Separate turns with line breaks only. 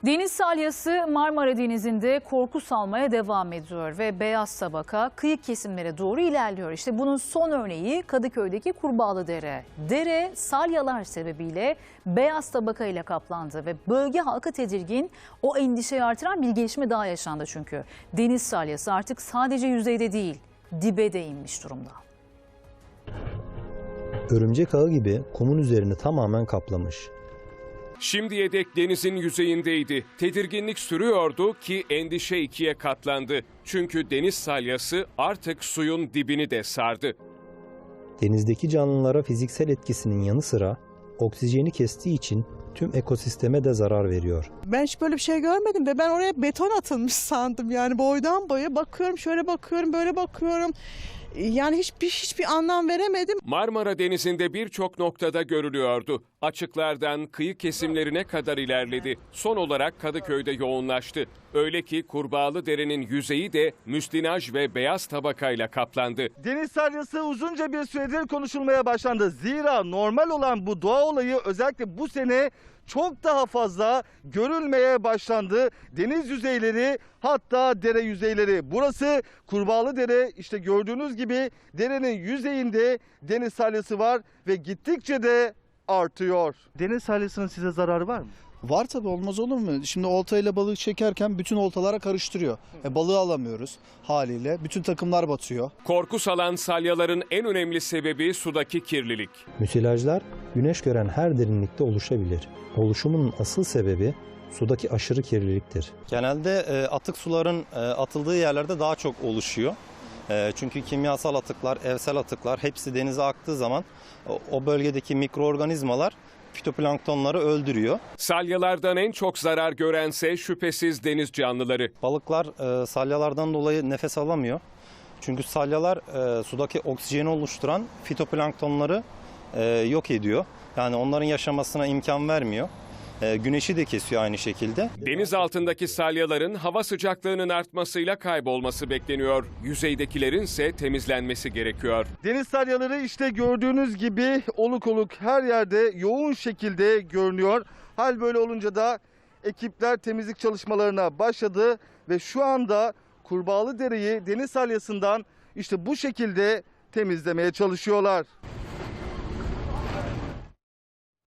Deniz salyası Marmara Denizi'nde korku salmaya devam ediyor ve beyaz tabaka kıyı kesimlere doğru ilerliyor. İşte bunun son örneği Kadıköy'deki Kurbağalıdere. Dere salyalar sebebiyle beyaz tabaka ile kaplandı ve bölge halkı tedirgin. O endişeyi artıran bir gelişme daha yaşandı çünkü. Deniz salyası artık sadece yüzeyde değil, dibe de inmiş durumda.
Örümcek ağı gibi kumun üzerini tamamen kaplamış.
Şimdiye dek denizin yüzeyindeydi. Tedirginlik sürüyordu ki endişe ikiye katlandı. Çünkü deniz salyası artık suyun dibini de sardı.
Denizdeki canlılara fiziksel etkisinin yanı sıra oksijeni kestiği için tüm ekosisteme de zarar veriyor.
Ben hiç böyle bir şey görmedim ve ben oraya beton atılmış sandım. Yani boydan boya bakıyorum, şöyle bakıyorum, böyle bakıyorum. Yani hiçbir anlam veremedim.
Marmara Denizi'nde birçok noktada görülüyordu. Açıklardan kıyı kesimlerine kadar ilerledi. Son olarak Kadıköy'de yoğunlaştı. Öyle ki Kurbağalıdere'nin yüzeyi de müslinaj ve beyaz tabakayla kaplandı.
Deniz salyası uzunca bir süredir konuşulmaya başlandı. Zira normal olan bu doğa olayı özellikle bu sene çok daha fazla görülmeye başlandı. Deniz yüzeyleri, hatta dere yüzeyleri. Burası Kurbağalıdere. İşte gördüğünüz gibi derenin yüzeyinde deniz salyası var ve gittikçe de artıyor. Deniz salyasının size zararı var mı?
Var tabii, olmaz olur mu? Şimdi oltayla balık çekerken bütün oltalara karıştırıyor. Balığı alamıyoruz haliyle. Bütün takımlar batıyor.
Korku salan salyaların en önemli sebebi sudaki kirlilik.
Müsilajlar güneş gören her derinlikte oluşabilir. Oluşumunun asıl sebebi sudaki aşırı kirliliktir.
Genelde atık suların atıldığı yerlerde daha çok oluşuyor. Çünkü kimyasal atıklar, evsel atıklar hepsi denize aktığı zaman o bölgedeki mikroorganizmalar fitoplanktonları öldürüyor.
Salyalardan en çok zarar görense şüphesiz deniz canlıları.
Balıklar salyalardan dolayı nefes alamıyor. Çünkü salyalar sudaki oksijeni oluşturan fitoplanktonları yok ediyor. Yani onların yaşamasına imkan vermiyor. Güneşi de kesiyor aynı şekilde.
Deniz altındaki salyaların hava sıcaklığının artmasıyla kaybolması bekleniyor. Yüzeydekilerin ise temizlenmesi gerekiyor.
Deniz salyaları işte gördüğünüz gibi oluk oluk her yerde yoğun şekilde görünüyor. Hal böyle olunca da ekipler temizlik çalışmalarına başladı ve şu anda Kurbağalıdere'yi deniz salyasından işte bu şekilde temizlemeye çalışıyorlar.